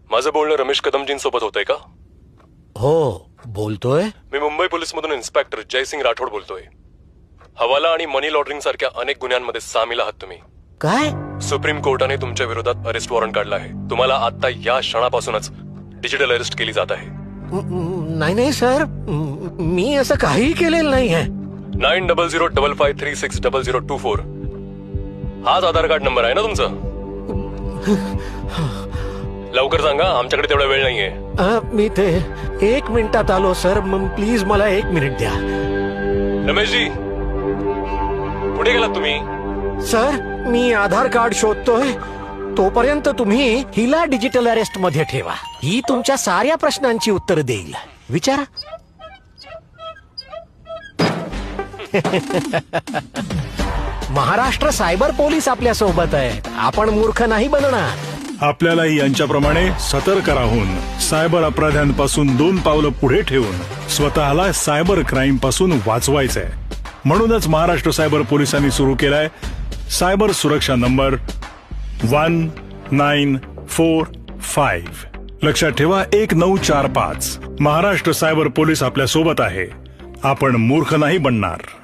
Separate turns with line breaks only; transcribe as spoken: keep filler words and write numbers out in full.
माझं बोलणं रमेश कदमजींसोबत होतंय का?
हो बोलतोय.
मी मुंबई पोलीस मधून इन्स्पेक्टर जयसिंग राठोड बोलतोय. हवाला आणि मनी लॉन्ड्रिंग सारख्या अनेक गुन्ह्यांमध्ये सामील आहात तुम्ही.
काय?
सुप्रीम कोर्टाने तुमच्या विरोधात अरेस्ट वॉरंट काढला आहे. तुम्हाला आता या क्षणापासूनच डिजिटल अरेस्ट केली जात आहे.
नाही नाही सर, मी असं काहीही केलेलं नाही आहे.
Nine double zero double five three six double zero two four हाच आधार कार्ड नंबर आहे ना तुमचा? लवकर सांगा, आमच्याकडे तेवढा वेळ नाहीये.
अ, मी ते एक मिनिटात आलो सर. प्लीज मला एक मिनिट द्या.
रमेशजी, कुठे गेलात तुम्ही?
सर मी आधार कार्ड शोधतोय. तोपर्यंत तुम्ही हिला डिजिटल अरेस्ट मध्ये ठेवा. ही तुमच्या साऱ्या प्रश्नांची उत्तर देईल. विचारा. महाराष्ट्र सायबर पोलीस आपल्या सोबत आहेत. आपण मूर्ख नाही बनणार.
आपल्यालाही यांच्याप्रमाणे सतर्क राहून सायबर अपराध्यांपासून दोन पावलं पुढे ठेवून स्वतःला सायबर क्राईम पासून वाचवायचंय. म्हणूनच महाराष्ट्र सायबर पोलिसांनी सुरू केलाय सायबर सुरक्षा number one nine four five. लक्षात ठेवा, एक नऊ चार पाच. महाराष्ट्र सायबर पोलीस आपल्या सोबत आहे. आपण मूर्ख नाही बनणार.